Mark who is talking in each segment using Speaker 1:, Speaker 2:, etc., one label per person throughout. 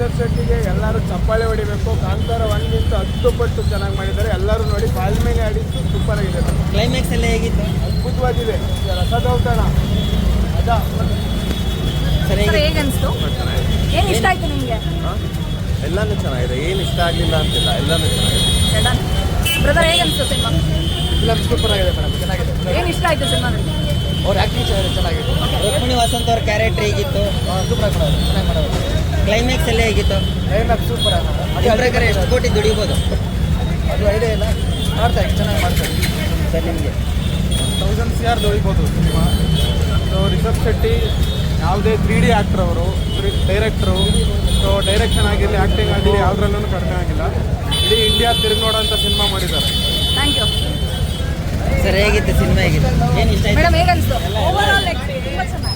Speaker 1: ರಿಷಬ್ ಶೆಟ್ಟಿಗೆ ಎಲ್ಲರೂ ಚಪ್ಪಾಳೆ ಹೊಡಿಬೇಕು. ಕಾಂತಾರ 1ಗಿಂತ 10 ಪಟ್ಟು ಚೆನ್ನಾಗಿ ಮಾಡಿದ್ದಾರೆ. ಎಲ್ಲರೂ ನೋಡಿ ಕಾಲ್ಮೇಲೆ ಆಡಿದ್ದು ಸೂಪರ್ ಆಗಿದೆ.
Speaker 2: ಕ್ಲೈಮ್ಯಾಕ್ಸ್ ಎಲ್ಲ ಹೇಗಿತ್ತು?
Speaker 1: ಅದ್ಭುತವಾಗಿದೆ. ರಸದೌತಣ ಅದ
Speaker 2: ಸರಿ
Speaker 3: ಹೇಗನ್ಸ್ತು? ಏನು ಇಷ್ಟ ಆಯ್ತು ನಿಮಗೆ?
Speaker 1: ಎಲ್ಲಾನು ಚೆನ್ನಾಗಿದೆ. ಏನು ಇಷ್ಟ ಆಗಲಿಲ್ಲ ಅಂತಿಲ್ಲ, ಎಲ್ಲಾನು ಚೆನ್ನಾಗಿದೆ.
Speaker 3: ಬ್ರದರ್ ಹೇಗನ್ಸ್ತು ಸಿನಿಮಾ?
Speaker 1: ಫಿಲಮ್ ಸೂಪರ್ ಆಗಿದೆ ಮೇಡಮ್, ಚೆನ್ನಾಗಿದೆ.
Speaker 3: ಏನು ಇಷ್ಟ ಆಯ್ತು ಸಿನಿಮಾದಲ್ಲಿ?
Speaker 1: ಅವ್ರ ಆ್ಯಕ್ಟಿಂಗ್ ಚೆನ್ನಾಗಿದೆ.
Speaker 2: ರುಕ್ಮಿಣಿ ವಸಂತ್ ಅವ್ರ ಕ್ಯಾರೆಕ್ಟರ್ ಹೇಗಿತ್ತು?
Speaker 1: ಸೂಪರ್ ಆಗಿ ಮಾಡೋದು, ಚೆನ್ನಾಗಿ ಮಾಡೋದು.
Speaker 2: ಕ್ಲೈಮ್ಯಾಕ್ಸ್ ಎಲ್ಲ ಹೇಗಿತ್ತು?
Speaker 1: ಕ್ಲೈಮ್ಯಾಕ್ಸ್ ಸೂಪರ್ ಆಗಿ
Speaker 2: ನಿಮ್ಮ ಪ್ರಕಾರ ಎಷ್ಟು ಕೋಟಿ ದುಡಿಬೋದು?
Speaker 1: ಅದು ಐಡಿಯಾ ಇಲ್ಲ, ಮಾಡ್ತಾರೆ, ಚೆನ್ನಾಗಿ ಮಾಡ್ತಾರೆ.
Speaker 2: ಸರ್ ನಿಮಗೆ
Speaker 1: 1000 CR ದುಡಿಬೋದು ಸಿನಿಮಾ. ಸೊ ರಿಷಬ್ ಶೆಟ್ಟಿ ಯಾವುದೇ 3D ಆ್ಯಕ್ಟ್ರ್ ಅವರು, ಡೈರೆಕ್ಟ್ರು. ಸೊ ಡೈರೆಕ್ಷನ್ ಆಗಿರಲಿ, ಆ್ಯಕ್ಟಿಂಗ್ ಆಗಿರಲಿ ಯಾವುದ್ರಲ್ಲೂ ಕಡಿಮೆ ಆಗಿಲ್ಲ. ಇಡೀ ಇಂಡಿಯಾ ತಿರುಗಿ ನೋಡೋಂಥ ಸಿನಿಮಾ ಮಾಡಿದ್ದಾರೆ.
Speaker 3: Thank you
Speaker 2: sir. ಹೇಗಿತ್ತು ಸಿನಿಮಾ? ಹೇಗಿತ್ತು? ಏನು ಇಷ್ಟ ಆಯ್ತು?
Speaker 3: ಮೇಡಮ್ ಹೇಗನ್ಸ್ತು? ಓವರಾಲ್ ತುಂಬ ಚೆನ್ನಾಗಿ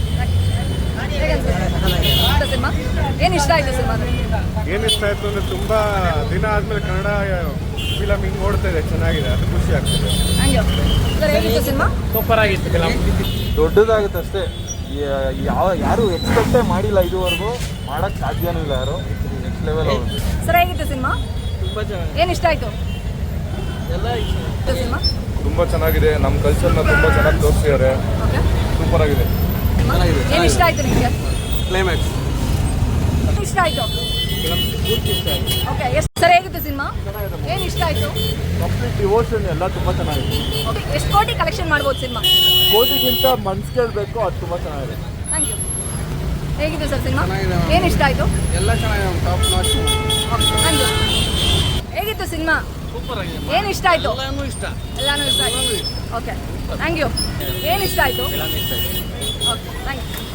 Speaker 3: ಹೇಗನ್ಸ್ತು ಸಿನಿಮಾ? ಏನು ಇಷ್ಟ ಆಯ್ತು ಸಿನಿಮಾದಲ್ಲಿ?
Speaker 1: ಏನು ಇಷ್ಟ ಆಯಿತು ಅಂದರೆ ತುಂಬ ದಿನ ಆದಮೇಲೆ ಕನ್ನಡ ಫಿಲಮ್ ಹಿಂಗೆ ನೋಡ್ತಾ ಇದೆ, ಚೆನ್ನಾಗಿದೆ, ಅದು ಖುಷಿ ಆಗ್ತದೆ.
Speaker 3: Thank you sir. ಹೇಗಿತ್ತು ಸಿನಿಮಾ?
Speaker 1: ಸೂಪರ್ ಆಗಿತ್ತು ಫಿಲಮ್. ದೊಡ್ಡದಾಗುತ್ತೆ ಅಷ್ಟೇ. ಯಾರು ಎಕ್ಸ್ಪೆಕ್ಟೇ ಮಾಡಿಲ್ಲ ಇದುವರೆಗೂ, ಮಾಡೋಕ್ಕೆ ಸಾಧ್ಯನೂ ಇಲ್ಲ. ಯಾರು ನೆಕ್ಸ್ಟ್ ಲೆವೆಲ್ ಆಗುತ್ತೆ.
Speaker 3: ಸರ್ ಹೇಗಿತ್ತು ಸಿನಿಮಾ?
Speaker 1: ತುಂಬ ಚೆನ್ನಾಗಿದೆ.
Speaker 3: ಏನು ಇಷ್ಟ ಆಯ್ತು?
Speaker 1: ಎಲ್ಲ
Speaker 3: ಸಿನಿಮಾ
Speaker 1: ತುಂಬ ಚೆನ್ನಾಗಿದೆ. ನಮ್ಮ ಕಲ್ಚರ್ನ ತುಂಬ ಚೆನ್ನಾಗಿ ತೋರಿಸಿದ್ದಾರೆ.
Speaker 3: ಓಕೆ.
Speaker 1: ಸೂಪರ್ ಆಗಿದೆ.
Speaker 3: ಏನು ಇಷ್ಟ ಆಯ್ತು ನಿಮಗೆ?
Speaker 1: ಕ್ಲೈಮ್ಯಾಕ್ಸ್
Speaker 3: ಇಷ್ಟ ಆಯ್ತು. ಓಕೆ. ಎಷ್ಟು ಸರ್ ಹೇಗಿತ್ತು ಸಿನಿಮಾ? ಏನು ಇಷ್ಟ ಆಯ್ತು?
Speaker 1: ಕಂಪ್ಲೀಟ್ ಡಿವೋಷನ್ ಎಲ್ಲ ತುಂಬ ಚೆನ್ನಾಗಿದೆ.
Speaker 3: ಓಕೆ. ಎಷ್ಟು ಕೋಟಿ ಕಲೆಕ್ಷನ್ ಮಾಡ್ಬೋದು ಸಿನಿಮಾ?
Speaker 1: ಕೋಟಿಗಿಂತ ಮನ್ಸು ಕೇಳಬೇಕು, ಅದು ತುಂಬ ಚೆನ್ನಾಗಿದೆ.
Speaker 3: Thank you. ಹೇಗಿತ್ತು ಸರ್ ಸಿನಿಮಾ?
Speaker 1: ಚೆನ್ನಾಗಿದೆ.
Speaker 3: ಏನು ಇಷ್ಟ ಆಯ್ತು?
Speaker 1: ಎಲ್ಲ ಚೆನ್ನಾಗಿದೆ, ಟಾಪ್ ನಾಚ್.
Speaker 3: Thank you. ಹೇಗಿತ್ತು ಸಿನಿಮಾ?
Speaker 1: ಸೂಪರ್ ಆಗಿದೆ.
Speaker 3: ಏನು ಇಷ್ಟ ಆಯ್ತು?
Speaker 1: ಎಲ್ಲಾನು ಇಷ್ಟ.
Speaker 3: ಎಲ್ಲಾನು ಇಷ್ಟ ಆಯ್ತು. ಓಕೆ. Thank you. ಏನು ಇಷ್ಟ ಆಯ್ತು?
Speaker 1: ಎಲ್ಲಾನು ಇಷ್ಟ ಆಯ್ತು.
Speaker 3: ಓಕೆ. Thank you.